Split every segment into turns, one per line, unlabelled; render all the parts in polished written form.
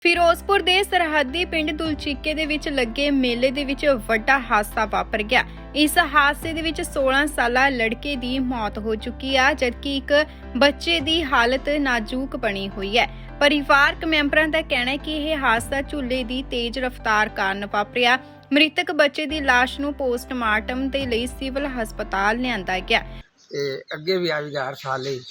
ਫਿਰੋਜ਼ਪੁਰ ਦੇ ਸਰਹੱਦੀ ਪਿੰਡ ਦੁਲਚੀਕੇ ਦੇ ਵਿੱਚ ਲੱਗੇ ਮੇਲੇ ਦੇ ਵਿੱਚ ਵੱਡਾ ਹਾਦਸਾ ਵਾਪਰ ਗਿਆ। ਇਸ ਹਾਦਸੇ ਦੇ ਵਿੱਚ 16 ਸਾਲਾ ਲੜਕੇ ਦੀ ਮੌਤ ਹੋ ਚੁੱਕੀ ਹੈ, ਜਦਕਿ ਇੱਕ ਬੱਚੇ ਦੀ ਹਾਲਤ ਨਾਜ਼ੁਕ ਬਣੀ ਹੋਈ ਹੈ। ਪਰਿਵਾਰਕ ਮੈਂਬਰਾਂ ਦਾ ਕਹਿਣਾ ਹੈ ਕਿ ਇਹ ਹਾਦਸਾ ਝੂਲੇ ਦੀ ਤੇਜ਼ ਰਫ਼ਤਾਰ ਕਾਰਨ ਵਾਪਰਿਆ। ਮ੍ਰਿਤਕ ਬੱਚੇ ਦੀ ਲਾਸ਼ ਨੂੰ ਪੋਸਟਮਾਰਟਮ ਦੇ ਲਈ ਸਿਵਲ ਹਸਪਤਾਲ ਲਿਆਂਦਾ ਗਿਆ।
ਅੱਗੇ ਵੀ ਆ ਗਿਆ ਹਰ ਸਾਲ ਹੀ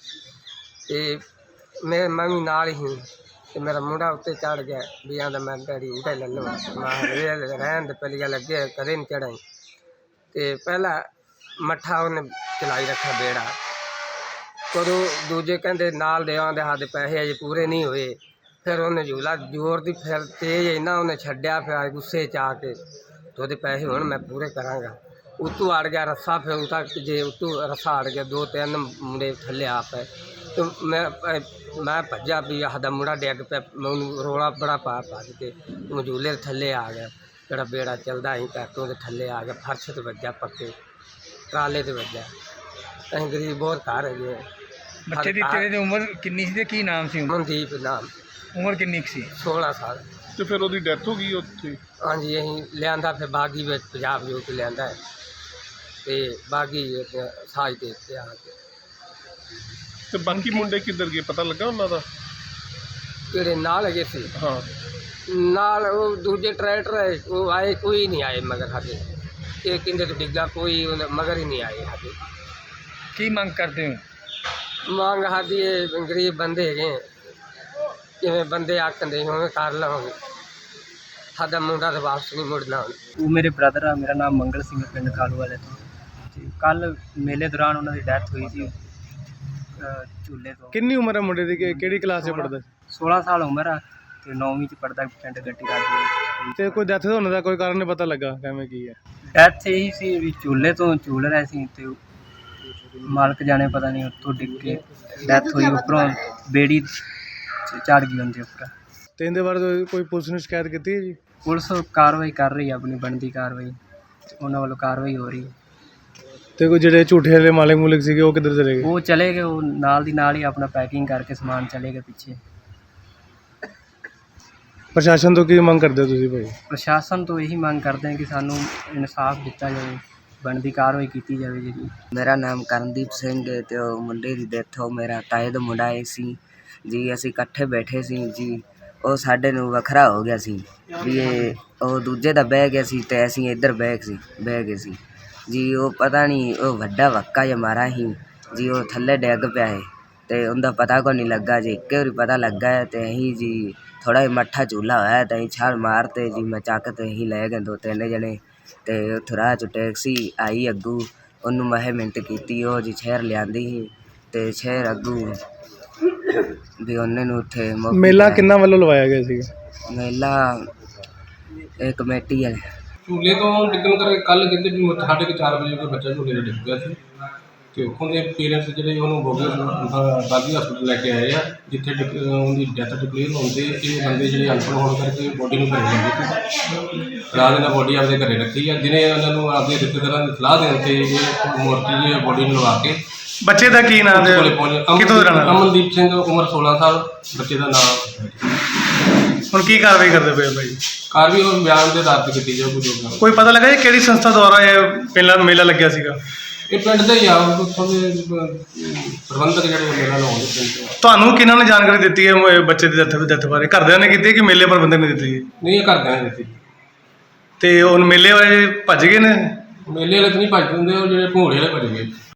ਤੇ ਮੈਂ ਵੀ ਨਾਲ ਹੀ ਤੇ ਮੇਰਾ ਮੁੰਡਾ ਉੱਤੇ ਚੜ ਗਿਆ ਵੀ ਆਂਦਾ ਮੈਂ ਡੈਡੀ ਉੱਤੇ ਲੈ ਲਵਾਂ। ਮੈਂ ਰਹਿਣ ਦੇ ਪਹਿਲੀ ਗੱਲ ਅੱਗੇ ਕਦੇ ਨਹੀਂ ਚੜਾਈ ਤੇ ਪਹਿਲਾ ਮੱਠਾ ਉਹਨੇ ਚਲਾਈ ਰੱਖਿਆ ਬੇੜਾ। ਕਦੋਂ ਦੂਜੇ ਕਹਿੰਦੇ ਨਾਲ ਦੇ ਆਂਦੇ ਸਾਡੇ ਪੈਸੇ ਅਜੇ ਪੂਰੇ ਨਹੀਂ ਹੋਏ। ਫਿਰ ਉਹਨੇ ਝੂਲਾ ਜ਼ੋਰ ਦੀ ਫਿਰ ਤੇਜ਼ ਇੰਨਾ ਉਹਨੇ ਛੱਡਿਆ, ਫਿਰ ਗੁੱਸੇ 'ਚ ਆ ਕੇ ਤੇ ਉਹਦੇ ਪੈਸੇ ਹੁਣ ਮੈਂ ਪੂਰੇ ਕਰਾਂਗਾ। ਉੱਤੋਂ ਅੜ ਗਿਆ ਰੱਸਾ, ਫਿਰ ਉਹ ਤੱਕ ਜੇ ਉੱਤੋਂ ਰੱਸਾ ਅੜ ਗਿਆ, 2-3 ਮੁੰਡੇ ਥੱਲੇ ਆ ਪਏ ਤੇ ਮੈਂ ਭੱਜਾ ਵੀ ਸਾਡਾ ਮੁੰਡਾ ਡਿੱਗ ਪਿਆ। ਮੈਂ ਉਹਨੂੰ ਰੌਲਾ ਬੜਾ ਭੱਜ ਕੇ ਝੂਲੇ ਥੱਲੇ ਆ ਗਿਆ। ਜਿਹੜਾ ਬੇੜਾ ਚੱਲਦਾ ਅਸੀਂ ਕਰਕੇ ਉਹਦੇ ਥੱਲੇ ਆ ਗਿਆ, ਫਰਸ਼ 'ਤੇ ਵੱਜਾ, ਪੱਕੇ ਟਰਾਲੇ 'ਤੇ ਵੱਜਾ। ਅਸੀਂ ਗਰੀਬ ਬਹੁਤ ਘਰ ਹੈਗੇ।
ਬੱਚੇ ਦੀ ਤੇਰੇ ਦੀ ਉਮਰ ਕਿੰਨੀ ਸੀ ਤੇ ਕੀ ਨਾਮ ਸੀ?
ਮਨਦੀਪ ਨਾਮ।
ਉਮਰ ਕਿੰਨੀ ਕੁ ਸੀ?
16 ਸਾਲ।
ਤੇ ਫਿਰ ਉਹਦੀ ਡੈਥ ਹੋ ਗਈ ਉੱਥੇ?
ਹਾਂਜੀ, ਅਸੀਂ ਲਿਆਂਦਾ ਫਿਰ ਬਾਗੀ ਵਿੱਚ ਪੰਜਾਬ ਜੋ ਕਿ ਲਿਆਂਦਾ ਹੈ ਤੇ ਬਾਗੀ ਸਾਜ ਦੇ ਉੱਤੇ ਆ ਕੇ।
ਤੇ ਬਾਕੀ ਮੁੰਡੇ ਕਿੱਧਰ ਗਏ, ਪਤਾ ਲੱਗਾ ਉਹਨਾਂ ਦਾ?
ਜਿਹੜੇ ਨਾਲ ਹੈਗੇ ਸੀ
ਹਾਂ,
ਨਾਲ ਉਹ ਦੂਜੇ ਟਰੈਕਟਰ ਹੈ ਉਹ ਆਏ, ਕੋਈ ਨਹੀਂ ਆਏ ਮਗਰ ਸਾਡੇ। ਇਹ ਕਹਿੰਦੇ ਤੋਂ ਡਿੱਗਾ, ਕੋਈ ਮਗਰ ਹੀ ਨਹੀਂ ਆਏ ਸਾਡੇ।
ਕੀ ਮੰਗ ਕਰਦੇ ਹੋ?
ਮੰਗ ਸਾਡੀ ਇਹ ਗਰੀਬ ਬੰਦੇ ਹੈਗੇ, ਜਿਵੇਂ ਬੰਦੇ ਆਖਦੇ ਉਵੇਂ ਕਰ ਲਵਾਂਗੇ। ਸਾਡਾ ਮੁੰਡਾ ਤਾਂ ਵਾਪਸ ਨਹੀਂ ਮੁੜਨਾ ਹੁਣ।
ਉਹ ਮੇਰੇ ਬ੍ਰਦਰ ਆ, ਮੇਰਾ ਨਾਮ ਮੰਗਲ ਸਿੰਘ, ਪਿੰਡ ਕਾਲੂ ਵਾਲੇ ਤੋਂ। ਕੱਲ ਮੇਲੇ ਦੌਰਾਨ ਉਹਨਾਂ ਦੀ ਡੈਥ ਹੋਈ ਸੀ ਝੂਲੇ ਤੋਂ।
ਕਿੰਨੀ ਉਮਰ ਹੈ ਮੁੰਡੇ ਦੀ? ਕਿਹੜੀ ਕਲਾਸ 'ਚ ਪੜ੍ਹਦਾ?
16 ਸਾਲ ਉਮਰ ਆ ਤੇ 9ਵੀਂ 'ਚ ਪੜ੍ਹਦਾ, ਪਿੰਡ ਗੱਟੀ ਰਾਜ।
ਤੇ ਕੋਈ ਡੈਥ ਹੋਣ ਦਾ ਕੋਈ ਕਾਰਨ ਨਹੀਂ ਪਤਾ ਲੱਗਾ, ਕਿਵੇਂ ਕੀ ਹੈ?
ਡੈਥ ਇਹੀ ਸੀ ਵੀ ਝੂਲੇ ਤੋਂ ਝੂਲ ਰਹੇ ਸੀ ਤੇ ਮਾਲਕ ਜਾਣੇ ਪਤਾ ਨਹੀਂ ਉੱਥੋਂ ਡਿੱਗ ਕੇ ਡੈਥ ਹੋਈ। ਉੱਪਰੋਂ ਬੇੜੀ ਚੜ੍ਹ ਗਈ ਉਹਦੇ ਉੱਪਰ।
ਤੇ ਇਹਦੇ ਬਾਰੇ ਕੋਈ ਪੁਲਿਸ ਨੂੰ ਸ਼ਿਕਾਇਤ ਕੀਤੀ ਹੈ ਜੀ?
ਪੁਲਿਸ ਕਾਰਵਾਈ ਕਰ ਰਹੀ ਹੈ, ਆਪਣੀ ਬਣਦੀ ਕਾਰਵਾਈ ਉਹਨਾਂ ਵੱਲੋਂ ਕਾਰਵਾਈ ਹੋ ਰਹੀ ਹੈ।
ਤੇ ਕੋਈ ਜਿਹੜੇ ਝੂਠੇ ਵਾਲੇ ਮਾਲਕ ਮੂਲਕ ਸੀਗੇ ਉਹ ਕਿੱਧਰ ਚਲੇ ਗਏ?
ਉਹ ਚਲੇ ਗਏ, ਉਹ ਨਾਲ ਦੀ ਨਾਲ ਹੀ ਆਪਣਾ ਪੈਕਿੰਗ ਕਰਕੇ ਸਮਾਨ ਚਲੇ ਗਏ ਪਿੱਛੇ।
ਪ੍ਰਸ਼ਾਸਨ ਤੋਂ ਕੀ ਮੰਗ ਕਰਦੇ ਹੋ ਤੁਸੀਂ ਭਾਈ?
ਪ੍ਰਸ਼ਾਸਨ ਤੋਂ ਇਹੀ ਮੰਗ ਕਰਦੇ ਹਾਂ ਕਿ ਸਾਨੂੰ ਇਨਸਾਫ ਦਿੱਤਾ ਜਾਵੇ, ਬਣਦੀ ਕਾਰਵਾਈ ਕੀਤੀ ਜਾਵੇ ਜੀ।
ਮੇਰਾ ਨਾਮ ਕਰਨਦੀਪ ਸਿੰਘ ਹੈ ਤੇ ਉਹ ਮੁੰਡੇ ਦੀ ਡੈਥ ਹੋ ਮੇਰਾ ਤਾਏ ਦਾ ਮੁੰਡਾ ਹੈ ਸੀ ਜੀ। ਅਸੀਂ ਇਕੱਠੇ ਬੈਠੇ ਸੀ ਜੀ, ਉਹ ਸਾਡੇ ਨੂੰ ਵੱਖਰਾ ਹੋ ਗਿਆ ਸੀ ਵੀ ਉਹ ਦੂਜੇ ਦਾ ਬਹਿ ਗਿਆ ਸੀ ਤੇ ਅਸੀਂ ਇੱਧਰ ਬਹਿ ਗਏ ਸੀ ਜੀ। ਉਹ ਪਤਾ ਨਹੀਂ ਉਹ ਵੱਡਾ ਵੱਕਾ ਜਿਹਾ ਮਾਰਾ ਸੀ ਜੀ, ਉਹ ਥੱਲੇ ਡਿੱਗ ਪਿਆ ਹੈ ਤੇ ਉਹਦਾ ਪਤਾ ਕੋਈ ਨਹੀਂ ਲੱਗਾ ਜੀ। ਇੱਕ ਵਾਰੀ ਪਤਾ ਲੱਗਾ ਹੈ ਤੇ ਅਸੀਂ ਜੀ ਥੋੜ੍ਹਾ ਜਿਹਾ ਮੱਠਾ ਝੂਲਾ ਹੋਇਆ ਤੇ ਅਸੀਂ ਛਾਲ ਮਾਰਤੇ ਜੀ। ਮੈਂ ਚੱਕ ਤੇ ਅਸੀਂ ਲੈ ਗਏ 2-3 ਜਣੇ ਤੇ ਉੱਥੇ ਰਾਹ 'ਚ ਟੈਕਸੀ ਆਈ ਅੱਗੂ, ਉਹਨੂੰ ਮੈਂ ਮਿੰਟ ਕੀਤੀ, ਉਹ ਜੀ ਸ਼ਹਿਰ ਲਿਆਂਦੀ ਸੀ ਤੇ ਸ਼ਹਿਰ ਅੱਗੂ ਵੀ ਉਹਨੇ ਨੂੰ ਉੱਥੇ
ਮੇਲਾ ਕਿੰਨਾ ਵੱਲੋਂ ਲਵਾਇਆ ਗਿਆ ਸੀ?
ਮੇਲਾ ਇਹ ਕਮੇਟੀ ਹੈ।
ਝੂਲੇ ਤੋਂ ਡਿੱਗਣ ਕਰਕੇ ਕੱਲ੍ਹ ਕਹਿੰਦੇ ਵੀ 4:30 ਵਜੇ ਕੋਈ ਬੱਚਾ ਝੂਲੇ 'ਤੇ ਡਿੱਗ ਪਿਆ ਸੀ ਤੇ ਉੱਥੋਂ ਦੇ ਪੇਰੈਂਟਸ ਜਿਹੜੇ ਉਹਨੂੰ ਬਾਗੀ ਹਸਪਤਾਲ ਲੈ ਕੇ ਆਏ ਆ, ਜਿੱਥੇ ਉਹਦੀ ਡੈਥ ਡਿਕਲੇਅਰ ਹੁੰਦੇ। ਇਹ ਬੰਦੇ ਜਿਹੜੇ ਅਨਪੜ੍ਹ ਹੋਣ ਕਰਕੇ ਬੋਡੀ ਨੂੰ ਘਰੇ ਲੈ ਗਏ ਸੀ। ਰਾਤ ਨਾਲ ਬੋਡੀ ਆਪਦੇ ਘਰੇ ਰੱਖੀ ਆ, ਜਿਹਨੇ ਉਹਨਾਂ ਨੂੰ ਆਪਦੇ ਰਿਸ਼ਤੇਦਾਰਾਂ ਦੀ ਸਲਾਹ ਦੇਣ ਤੇ ਇਹ ਮੂਰਤੀ ਦੀ ਬੋਡੀ ਨੂੰ ਲਵਾ ਕੇ।
ਬੱਚੇ ਦਾ ਕੀ ਨਾਮ ਹੈ? ਕਿੱਥੋਂ ਦਾ ਰਹਿਣਾ?
ਅਮਨਦੀਪ ਸਿੰਘ, ਉਮਰ 16 ਸਾਲ, ਬੱਚੇ ਦਾ ਨਾਮ।
ਹੁਣ ਕੀ ਕਾਰਵਾਈ ਕਰਦੇ ਪਏ ਭਾਈ?
ਕਾਰਵਾਈ ਉਹ ਬਿਆਨ ਦੇ ਆਧਾਰ 'ਤੇ ਕੀਤੀ ਜਾਊਗੀ ਜੋ ਵੀ।
ਕੋਈ ਪਤਾ ਲੱਗਾ ਜੀ ਕਿਹੜੀ ਸੰਸਥਾ ਦੁਆਰਾ ਇਹ ਪਹਿਲਾਂ ਮੇਲਾ ਲੱਗਿਆ ਸੀਗਾ?
ਇਹ ਪਿੰਡ ਦੇ ਹੀ ਆ, ਉੱਥੋਂ ਦੇ ਪ੍ਰਬੰਧਕ ਜਿਹੜੇ ਮੇਲਾ ਲਾਉਂਦੇ ਪਿੰਡ ਦੇ।
ਤੁਹਾਨੂੰ ਕਿਹਨਾਂ ਨੇ ਜਾਣਕਾਰੀ ਦਿੱਤੀ ਹੈ ਇਹ ਬੱਚੇ ਦੀ ਡੈਥ ਬਾਰੇ? ਘਰਦਿਆਂ ਨੇ ਕੀਤੀ ਕਿ ਮੇਲੇ ਪ੍ਰਬੰਧਕ ਨੇ ਦਿੱਤੀ?
ਨਹੀਂ, ਇਹ ਘਰਦਿਆਂ ਨੇ ਦਿੱਤੀ।
ਤੇ ਹੁਣ ਮੇਲੇ ਵਾਲੇ ਭੱਜ ਗਏ ਨੇ?
ਮੇਲੇ ਵਾਲੇ ਤਾਂ ਨਹੀਂ ਭੱਜ ਦਿੰਦੇ, ਉਹ ਜਿਹੜੇ ਭੋਲੇ ਵਾਲੇ ਭੱਜ ਗਏ।